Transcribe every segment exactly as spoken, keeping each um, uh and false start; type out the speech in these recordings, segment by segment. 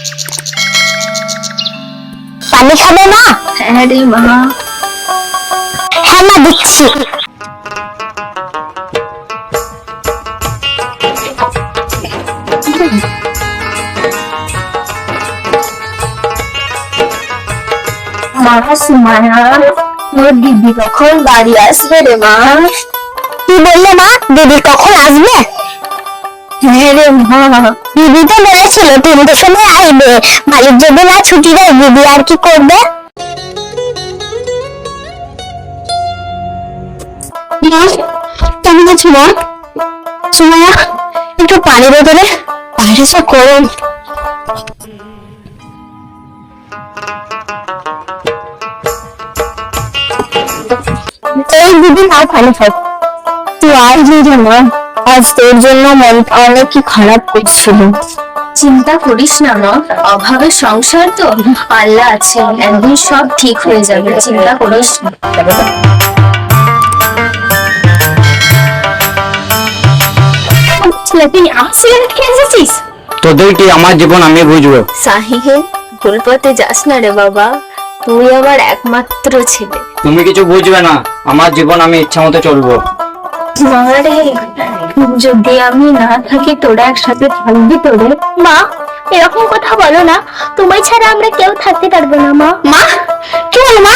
পানি খাবে মা? হ্যাঁ রে মা। হ্যাঁ মা দিচ্ছি। মা সুমায়া, তোর দিদি কখন বাড়ি আসবে রে মা? কি বললে মা? দিদি কখন আসবে? হ্যাঁ রে মা। দিদি তো বলেছিল তিনটের সময় আসবে। মালিক যদি না ছুটি দেয় দিদি আর কি করবে? কেমন আছো মা? সুমায়া, একটু পানি বোতলে, বাইরে যা গরম। এই দিদি নাও পানি খাও। তুই আসবি রে মা, আজ তোর জন্য মনটা অনেক কি খারাপ করছিল। চিন্তা করিস না মা, অভাবের সংসার তো, আল্লাহ আছে, একদিন সব ঠিক হয়ে যাবে, চিন্তা করিস না। তুই আমার সিগারেট খেয়ে এসেছিস? তোদের কি আমার জীবন আমি বুঝবো? সাহিহে, ভুল পথে যাস না রে বাবা, তুই আমার একমাত্র ছেলে। তুমি কিছু বুঝবে না, আমার জীবন আমি ইচ্ছা মতো চলবো। মারে, যদি আমি না থাকি তোরা একসাথে থাকবি তোরে? মা, এরকম কথা বলো না, তোমায় ছাড়া আমরা কেউ থাকতে পারবো না। মা, মা কি বলো মা?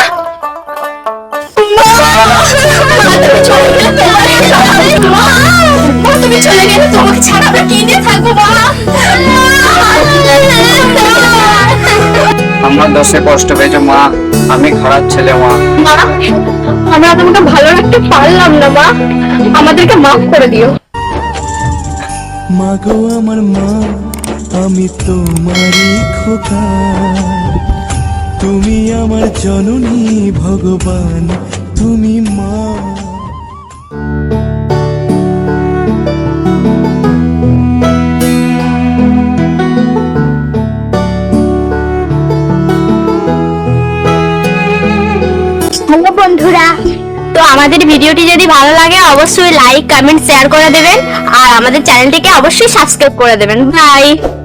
তুমি চলে গেলে তোমাকে ছাড়া আমরা কি নিয়ে থাকবো মা? আমার দশে কষ্ট পেয়েছে মা, আমি খারাপ ছেলে মা। মা, আমরা তোমাকে ভালো রাখতে পারলাম না মা, আমাদেরকে মাফ করে দিও। মা গো আমার মা, আমি তোমারই খোকা, তুমি আমার জননী ভগবান, তুমি মা। হ্যালো বন্ধুরা, তো আমাদের ভিডিওটি যদি ভালো লাগে অবশ্যই লাইক কমেন্ট শেয়ার করে দেবেন আর আমাদের চ্যানেলটিকে অবশ্যই সাবস্ক্রাইব করে দেবেন। বাই।